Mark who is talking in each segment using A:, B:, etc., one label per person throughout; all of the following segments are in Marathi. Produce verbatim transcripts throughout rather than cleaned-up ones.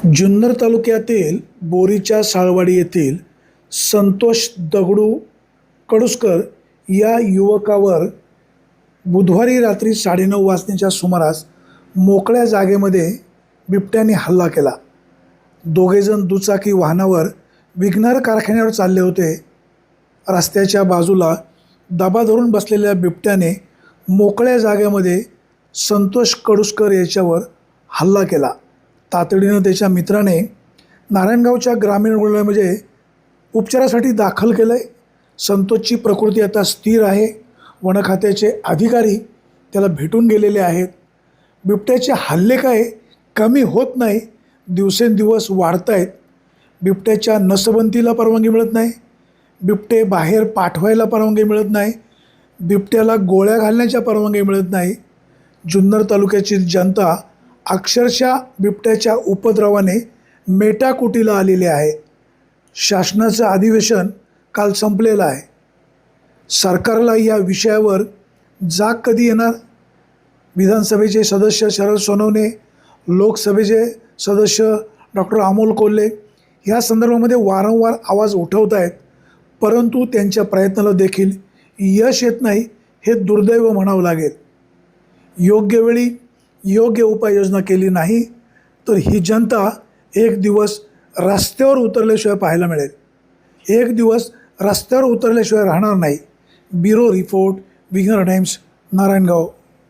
A: जुन्नर तालुक्यातील बोरीच्या साळवाडी येथील संतोष दगडू कडुसकर या युवकावर बुधवारी रात्री साडेनऊ वाजण्याच्या सुमारास मोकळ्या जागेमध्ये बिबट्याने हल्ला केला. दोघेजण दुचाकी वाहनावर विघ्नर कारखान्यावर चालले होते. रस्त्याच्या बाजूला दबा धरून बसलेल्या बिबट्याने मोकळ्या जागेमध्ये संतोष कडुसकर याच्यावर हल्ला केला. तातडीनं त्याच्या मित्राने नारायणगावच्या ग्रामीण रुग्णालयामध्ये उपचारासाठी दाखल केलं आहे. संतोषची प्रकृती आता स्थिर आहे. वन खात्याचे अधिकारी त्याला भेटून गेलेले आहेत. बिबट्याचे हल्ले काय कमी होत नाही, दिवसेंदिवस वाढत आहेत. बिबट्याच्या नसबंदीला परवानगी मिळत नाही, बिबटे बाहेर पाठवायला परवानगी मिळत नाही, बिबट्याला गोळ्या घालण्याच्या परवानगी मिळत नाही. जुन्नर तालुक्याची जनता अक्षरशः बिबट्याच्या उपद्रवाने मेटाकुटीला आलेले आहे. शासनाचं अधिवेशन काल संपलेलं आहे. सरकारला या विषयावर जाग कधी येणार? विधानसभेचे सदस्य शरद सोनवणे, लोकसभेचे सदस्य डॉक्टर अमोल कोल्हे ह्या संदर्भामध्ये वारंवार आवाज उठवत आहेत, परंतु त्यांच्या प्रयत्नाला देखील यश येत नाही. हे दुर्दैव म्हणावं लागेल. योग्य वेळी योग्य उपाययोजना केली नाही तर ही जनता एक दिवस रस्त्यावर उतरल्याशिवाय पाहायला मिळेल. एक दिवस रस्त्यावर उतरल्याशिवाय राहणार नाही. ब्युरो रिपोर्ट, विघ्नर टाइम्स, नारायणगाव.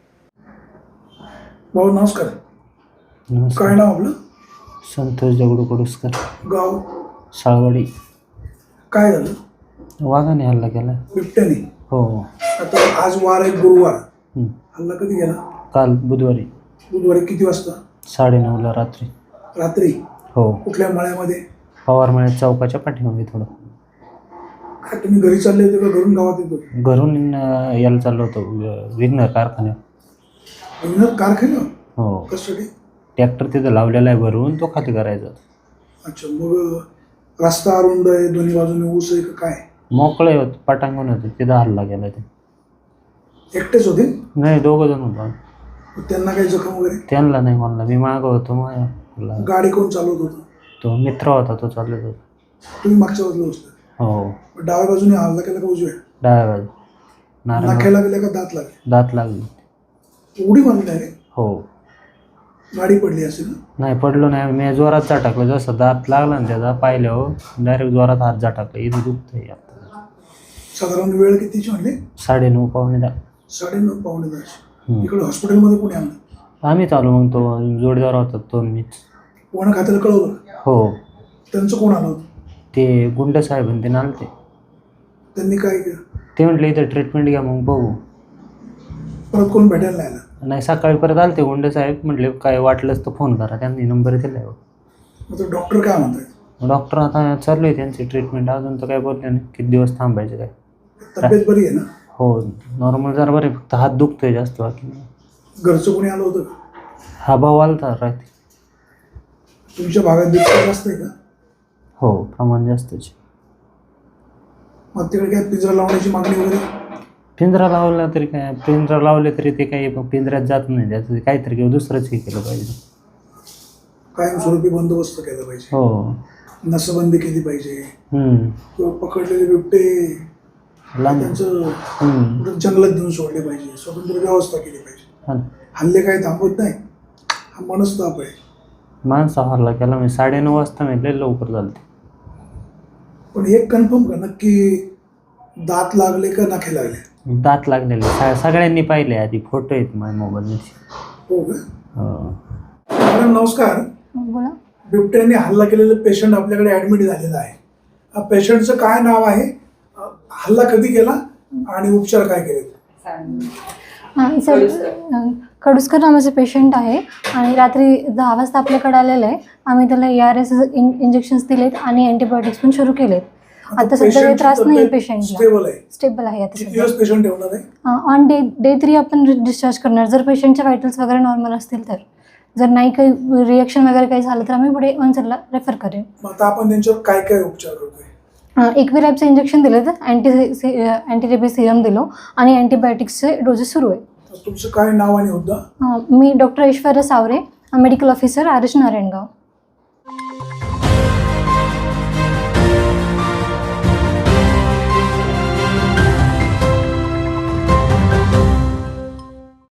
A: भाऊ नमस्कार.
B: नमस्कार.
A: काय नाव आपलं?
B: संतोष दगडू कडुसकर,
A: गाव?
B: साळवाडी.
A: काय झालं?
B: वाघाने हल्ला केला.
A: बिबट्याने?
B: हो.
A: आता आज वार आहे, गुरुवार.
B: हं.
A: हल्ला कधी गेला?
B: काल बुधवारी
A: बुधवारी. किती वाजता?
B: साडेनऊला रात्री.
A: रात्री?
B: हो.
A: कुठल्या मळ्यामध्ये?
B: पवारमळ्यात चौकाच्या पाठीमागे थोडं.
A: काय तुम्ही घरी चालले होते का घरून गावात येतो?
B: घरून अं, यायला चाललो होतो वि- विघ्नर कारखान्यात.
A: विघ्नर कारखाना?
B: हो.
A: कशासाठी?
B: ट्रॅक्टर तिथं लावलेला आहे भरून, तो खाली करायचा.
A: अच्छा. मग रस्ता अरुंद आहे, दोन्ही बाजूने ऊस आहे का काय?
B: मोकळे होत पटांगण होते, तिथं हल्ला केला. ते
A: एकटेच होते?
B: नाही, दोघं जण होतो.
A: मग त्यांना काही जखम वगैरे?
B: त्यांना नाही, म्हणला मी मागं होतो. मग
A: गाडी कोण चालवत होतं?
B: तो मित्र होता, तो चालत होता.
A: तुम्ही मागच्या बाजूला बसले?
B: हो.
A: मग डाव्या बाजूने हल्ला केला का उजव्या?
B: डाव्या बाजू. नारायण
A: नाक्याला गेल्या का दात लागले?
B: दात लागली.
A: उडी मारली डायरेक्ट?
B: हो.
A: गाडी पडली असेल ना?
B: नाही, पडलो नाही. मी जोरात झटाकलं. जसं दात लागला ना त्याचा पाहिल्यावर डायरेक्ट जोरात हात झटाकला. इथं दुखतंय आता.
A: साधारण वेळ कितीची म्हणले?
B: साडेनऊ पावणे दहा.
A: साडेनऊ पावणे दहा. इकडे हॉस्पिटलमध्ये कोणी आणलं?
B: आम्ही चालू. मग तो जोडीदार होता, तो मीच.
A: वन खात्याला कळवलं?
B: हो.
A: त्यांचं कोण आलं होतं?
B: ते गुंड साहेब आणि ते नालते.
A: त्यांनी काय केलं?
B: ते म्हटले इथं ट्रीटमेंट घ्या, मग बघू.
A: परत कोण भेटायला नाही आलं?
B: नाही, सकाळी परत आले ते गुंड साहेब. म्हटले काय वाटलंच तर फोन करा. त्यांनी नंबर दिला आहे.
A: मग तो डॉक्टर काय म्हणतात?
B: डॉक्टर आता चालू आहे त्यांची ट्रीटमेंट. अजून तर काय बोलले नाही किती दिवस थांबायचे काय.
A: तब्येत बरी आहे ना?
B: हो, नॉर्मल जरा बरे, फक्त हात दुखतोय जास्त. बाकी
A: घरचं कोणी आलं होतं?
B: हा भाऊ आलता रात्री.
A: तुमच्या भागात बिबट्या जास्त आहे का?
B: हो, प्रमाण जास्तच.
A: मग तिकडे काय पिंजरा लावण्याची मागणी वगैरे?
B: पिंजरा लावला तरी काय, पिंजरा लावले तरी ते काही पिंजऱ्यात जात नाही. त्याचं काहीतरी किंवा दुसरंच हे केलं पाहिजे.
A: कायमस्वरूपी बंदोबस्त केला पाहिजे.
B: हो.
A: नसबंदी केली पाहिजे.
B: हम्म.
A: किंवा पकडलेले बिबटे
B: लांब.
A: त्यांचं
B: हम्म.
A: कुठं जंगलात देऊन सोडले पाहिजे. स्वतंत्र व्यवस्था केली पाहिजे.
B: हा.
A: हल्ले काय थांबवत नाही, हा मनस्ताप आहे.
B: माणसा हल्ला केला मी साडेनऊ वाजता. मी लय लवकर झालं ते.
A: पण एक कन्फर्म का नक्की दात लागले का नाखे लागले?
B: दात लागलेले स- सगळ्यांनी पाहिले. आधी फोटो आहेत माझ्या मोबाईलमध्ये.
A: हो का?
B: हो.
A: मॅडम नमस्कार.
C: बोला.
A: बिबट्याने हल्ला केलेलं पेशंट आपल्याकडे ॲडमिट झालेलं आहे. हा पेशंटचं काय नाव आहे, हल्ला कधी केला आणि उपचार काय केले?
C: हां सर, कडुसकर नावाचे पेशंट आहे आणि रात्री दहा वाजता आपल्याकडे आलेलं आहे. आम्ही त्याला ए आर एस इंजेक्शन्स दिलेत आणि अँटीबायोटिक्स पण सुरू केलेत. आता सध्या काही त्रास नाही पेशंटला.
A: स्टेबल आहे?
C: स्टेबल आहे आता
A: किती
C: सध्या.
A: दिवस पेशंट ठेवणार आहे?
C: ऑन डे डे थ्री आपण डिस्चार्ज करणार, जर पेशंटच्या व्हायटल्स वगैरे नॉर्मल असतील तर. जर नाही काही रिएक्शन वगैरे काही झालं तर आम्ही पुढे ऑनसरला रेफर करेन.
A: मग आता आपण त्यांच्यावर काय काय उपचार करतोय?
C: एकविरॅपचं इंजेक्शन दिलं, तर अँटी अँटीरेबीज सिरम दिलो आणि अँटीबायोटिक्सचे डोसेस सुरू आहे.
A: तुमचं काय नाव आणि होता?
C: मी doctor Aishwarya Savare, medical officer, R H Narayangaon.